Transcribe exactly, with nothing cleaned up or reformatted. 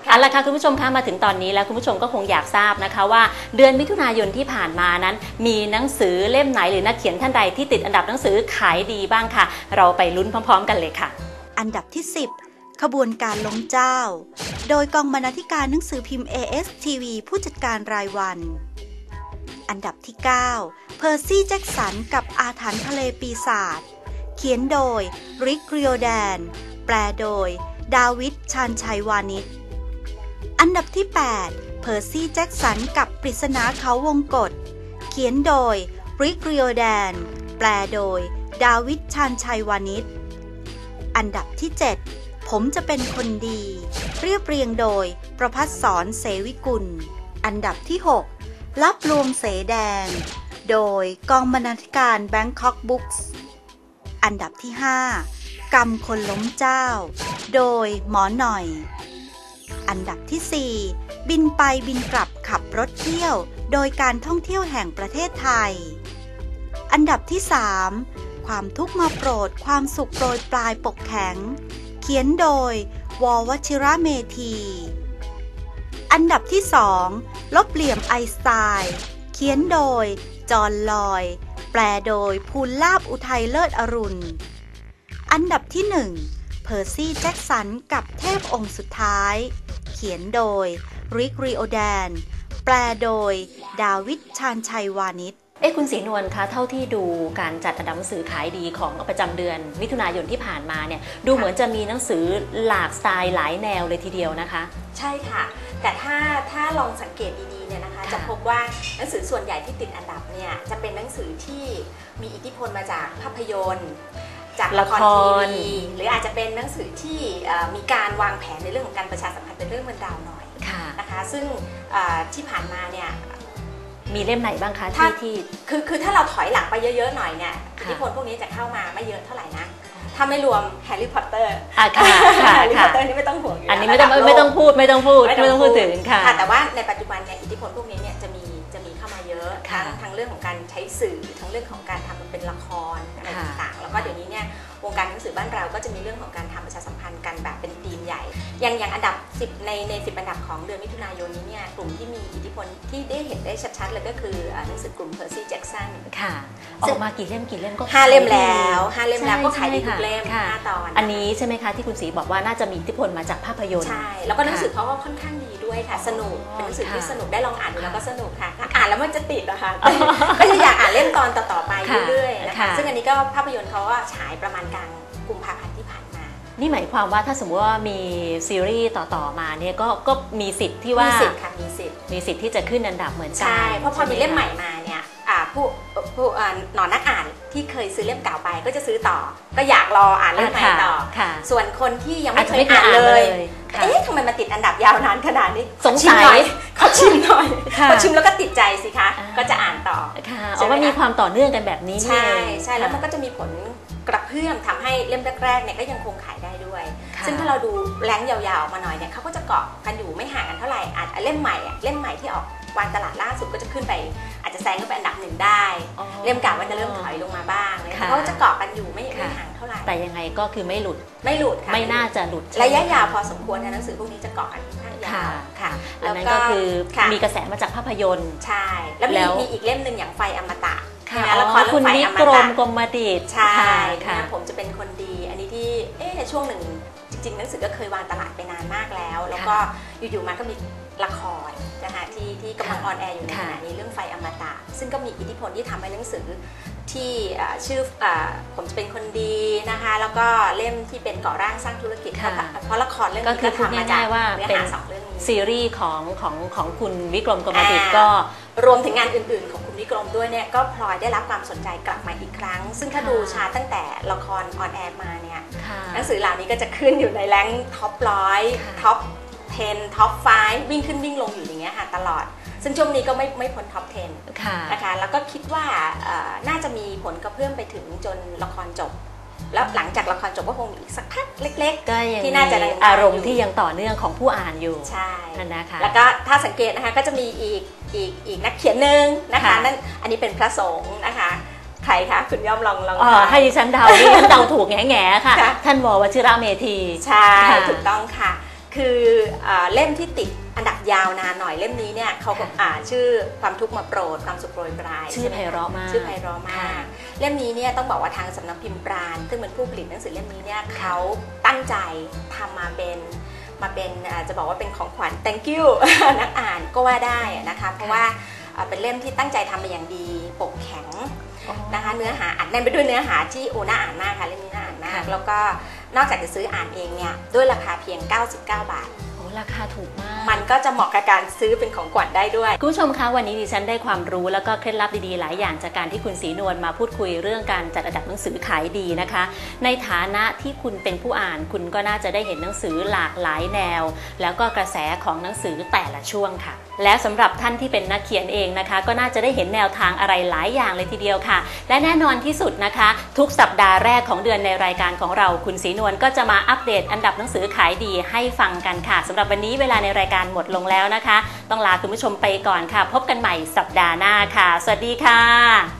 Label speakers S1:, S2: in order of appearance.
S1: เอาละค่ะคุณผู้ชมคะมาถึงตอนนี้แล้วคุณผู้ชมก็คงอยากทราบนะคะว่าเดือนมิถุนายนที่ผ่านมานั้นมีหนังสือเล่มไหนหรือนักเขียนท่านใดที่ติดอันดับหนังสือขายดีบ้างค่ะเราไปลุ้นพร้อมๆกันเลยค่ะ
S2: อันดับที่สิบขบวนการล้มเจ้าโดยกองบรรณาธิการหนังสือพิมพ์ เอ เอส ที วี ผู้จัดการรายวันอันดับที่เก้าเพอร์ซี่แจ็คสันกับอาถรรพ์ทะเลปีศาจเขียนโดยริก ริโอแดนแปลโดยดาวิด ชาญชัยวานิชอันดับที่แปดเพอร์ซี่แจ็คสันกับปริศนาเขาวงกฏเขียนโดยริก ริโอแดนแปลโดยดาวิด ชาญชัยวานิชอันดับที่เจ็ดผมจะเป็นคนดีเรียบเรียงโดยประภัสสร เสวิกุลอันดับที่หกลับลวงเสแดงโดยกองบรรณาธิการ Bangkok Books อันดับที่ห้ากรรมคนล้มเจ้าโดยหมอหน่อยอันดับที่สี่บินไปบินกลับขับรถเที่ยวโดยการท่องเที่ยวแห่งประเทศไทยอันดับที่สามความทุกข์มาโปรดความสุขโปรยปลายปกแข็งเขียนโดยววชิระเมธีอันดับที่สองลบเหลี่ยมไอน์สไตน์เขียนโดยจอห์นลอยแปลโดยภูลลาภอุทัยเลิศอรุณอันดับที่หนึ่งเพอร์ซี่แจ็คสันกับเทพองค์สุดท้ายเขียนโดยริก ริโอแดนแปลโดยดาวิด ชาญชัยวานิช
S1: เอ้คุณศรีนวลคะเท่าที่ดูการจัดอันดับหนังสือขายดีของประจำเดือนมิถุนายนที่ผ่านมาเนี่ยดูเหมือนจะมีหนังสือหลากสไตล์หลายแนวเลยทีเดียวนะคะ
S3: ใช่ค่ะแต่ถ้าถ้าลองสังเกตดีๆเนี่ยนะคะจะพบว่าหนังสือส่วนใหญ่ที่ติดอันดับเนี่ยจะเป็นหนังสือที่มีอิทธิพลมาจากภาพยนตร์จากละครทีวีหรืออาจจะเป็นหนังสือที่มีการวางแผนในเรื่องของการประชาสัมพันธ์เป็นเรื่องเป็นราวหน่อยนะคะซึ่งที่ผ่านมาเนี่ย
S1: มีเล่มไหนบ้างคะที่ที่
S3: คือคือถ้าเราถอยหลังไปเยอะๆหน่อยเนี่ยอิทธิพลพวกนี้จะเข้ามาไม่เยอะเท่าไหร่นะถ้าไม่รวมแฮร์รี่พอตเตอร์
S1: อ่ะค่ะ
S3: แฮร์รี่พอตเตอร์นี่ไม่ต้องห่วงอยู่
S1: อันนี้ไม่ต้องไม่ต้องพูดไม่ต้องพูดไม่ต้องพูดถึงค่ะ
S3: แต่ว่าในปัจจุบันเนี่ยอิทธิพลพวกนี้เนี่ยจะมีจะมีเข้ามาเยอะทั้งทั้งเรื่องของการใช้สื่อทั้งเรื่องของการทำเป็นละครอะไรต่างๆแล้วก็เดี๋ยวนี้เนี่ยวงการหนังสือบ้านเราก็จะมีเรื่องของการทำประชาสัมพันธ์กันแบบเป็นธีมใหญ่อย่างอย่างอันดับสิบในในสิบอันดับของเดือนมิถุนายนนี้เนี่ยกลุ่มที่มีอิทธิพลที่ได้เห็นได้ชัดๆเลยก็คือหนังสือกลุ่มเพอร์ซี่แจ็คสัน
S1: ค่ะออกมากี่เล่มกี่เล่มก็
S3: ห้าเล่มแล้วห้าเล่มแล้วก็ขายดีทุกเล่มห้าตอน
S1: อันนี้ใช่ไหมคะที่คุณศรีบอกว่าน่าจะมีอิทธิพลมาจากภาพยนตร์
S3: ใช่แล้วก็หนังสือเขาก็ค่อนข้างดีด้วยค่ะสนุกเป็นหนังสือที่สนุกได้ลองอ่านดูแล้วก็สนุกค่ะอ่านแล้วมันจะติดนะคะก็จะอยากอ่านเล่มตอนต่อๆไปเรื่อยๆนะคะซึ่งอันนี้ก็ภาพยนตร์เขาว่าฉายประมาณกลางกุมภาพันธ์ที่ผ่านมา
S1: นี่หมายความว่าถ้าสมมติว่ามีซีรีส์ต่อๆมาเนี่ยก็ก็มีสิทธิ์ที่ว่า
S3: มีสิทธิ์ค่ะมีสิทธิ์
S1: มีสิทธิ์ที่จะขึ้นอันดับเหมือนกัน
S3: ใช่เพราะพอมีเล่มใหม่มาเนี่ยผู้ผู้หนอนนักอ่านที่เคยซื้อเล่มเก่าไปก็จะซื้อต่อก็อยากรออ่านเล่มใหม่ต่อส่วนคนที่ยังไม่เคยอ่านเลยเอ๊ะทำไมมาติดอันดับยาวนานขนาดนี้
S1: สงสัย
S3: ขอชิมหน่อยพอชิมแล้วก็ติดใจสิคะก็จะอ่านต่อ
S1: ค่ะเอาว่ามีความต่อเนื่องกันแบบนี้
S3: ใช่ใช่แล้วมันก็จะมีผลกระเพื่อมทำให้เล่มแรกๆเนี่ยก็ยังคงขายได้ด้วยซึ่งถ้าเราดูแรงยาวๆมาหน่อยเนี่ยเขาก็จะเกาะกันอยู่ไม่ห่างกันเท่าไหร่อาจเล่มใหม่อ่ะเล่มใหม่ที่ออกวางตลาดล่าสุดก็จะขึ้นไปอาจจะแซงขึ้นไปอันดับหนึ่งได้เล่มเก่ามันจะเริ่มถอยลงมาบ้างเลยเขาจะเกาะกันอยู่ไม่ไม่ห่างเท่าไหร่
S1: แต่ยังไงก็คือไม่หลุด
S3: ไม่หลุดค่ะ
S1: ไม่น่าจะหลุด
S3: ระยะยาวพอสมควรนะหนังสือพวกนี้จะเกาะกันค่อนข้างยาว
S1: ค่ะแล้วก็คือมีกระแสมาจากภาพยนตร์
S3: ใช่แล้วมีอีกเล่มหนึ่งอย่างไฟอมตะ
S1: ละครคุณวิกรมกรมดิษฐ์
S3: ใช่ค่ะผมจะเป็นคนดีอันนี้ที่เอ๊ะช่วงหนึ่งจริงๆหนังสือก็เคยวางตลาดไปนานมากแล้วแล้วก็อยู่ๆมาก็มีละครนะคะที่ที่กำลังออนแอร์อยู่ในขณะนี้เรื่องไฟอมตะซึ่งก็มีอิทธิพลที่ทำให้หนังสือที่ชื่อผมจะเป็นคนดีนะคะแล้วก็เล่มที่เป็นก่อร่างสร้างธุรกิจเพราะละครเรื่องนี้ก็ทำมาจากเนื้อหาสองเรื่องนี้
S1: ซีรีส์ของของของคุณวิกรมกรมดิษฐ์ก็
S3: รวมถึงงานอื่นๆของคุณวิกรมด้วยเนี่ยก็พลอยได้รับความสนใจกลับมาอีกครั้งซึ่งถ้าดูชาร์ตตั้งแต่ละครออนแอร์มาเนี่ยหนังสือเหล่านี้ก็จะขึ้นอยู่ในแรงท็อปร้อยท็อปสิบท็อปห้าวิ่งขึ้นวิ่งลงอยู่อย่างเงี้ยค่ะตลอดซึ่งช่วงนี้ก็ไม่ไม่พ้นท็อปสิบนะคะแล้วก็คิดว่าน่าจะมีผลกระเพื่อมไปถึงจนละครจบแล้วหลังจากละครจบก็คงมีอีกสักพักเล็กๆที่น่าจะ
S1: อารมณ์ที่ยังต่อเนื่องของผู้อ่านอยู่
S3: ใช่
S1: นะคะ
S3: แล้วก็ถ้าสังเกตนะคะก็จะมีอีกอีกอีกนักเขียนหนึ่งนะคะนั่นอันนี้เป็นพระสงฆ์นะคะใครคะคุณย่อมลองลอง
S1: ให้ดิฉันเดาดิฉันเดาถูกแง่ๆค่ะท่านววชิระเมธี
S3: ใช่ถูกต้องค่ะคือเล่มที่ติดอันดับยาวนานหน่อยเล่มนี้เนี่ยเขาอ่าชื่อความทุกข์มาโปรดความสุขโปรยปลาย
S1: ชื่อไพเราะมาก
S3: ชื่อไพเราะมากเล่มนี้เนี่ยต้องบอกว่าทางสำนักพิมพ์ปราณซึ่งเป็นผู้ผลิตหนังสือเล่มนี้เนี่ยเขาตั้งใจทำมาเป็นมาเป็นจะบอกว่าเป็นของขวัญ thank you นักอ่านก็ว่าได้นะคะเพราะว่าเป็นเล่มที่ตั้งใจทำมาอย่างดีปกแข็งนะคะเนื้อหาอัดแน่นไปด้วยเนื้อหาที่โอ้น่าอ่านมากค่ะเล่มนี้น่าอ่านมากแล้วก็นอกจากจะซื้ออ่านเองเนี่ยด้วยราคาเพียงเก้าสิบเก้าบาท
S1: โอ้ราคาถูกมาก
S3: มันก็จะเหมาะกับการซื้อเป็นของขวัญได้ด้วย
S1: คุณผู้ชมคะวันนี้ดิฉันได้ความรู้แล้วก็เคล็ดลับดีๆหลายอย่างจากการที่คุณศรีนวลมาพูดคุยเรื่องการจัดอันดับหนังสือขายดีนะคะในฐานะที่คุณเป็นผู้อ่านคุณก็น่าจะได้เห็นหนังสือหลากหลายแนวแล้วก็กระแสของหนังสือแต่ละช่วงค่ะและสำหรับท่านที่เป็นนักเขียนเองนะคะก็น่าจะได้เห็นแนวทางอะไรหลายอย่างเลยทีเดียวค่ะและแน่นอนที่สุดนะคะทุกสัปดาห์แรกของเดือนในรายการของเราคุณศรีนวลก็จะมาอัปเดตอันดับหนังสือขายดีให้ฟังกันค่ะสำหรับวันนี้เวลาในรายการหมดลงแล้วนะคะต้องลาคุณผู้ชมไปก่อนค่ะพบกันใหม่สัปดาห์หน้าค่ะสวัสดีค่ะ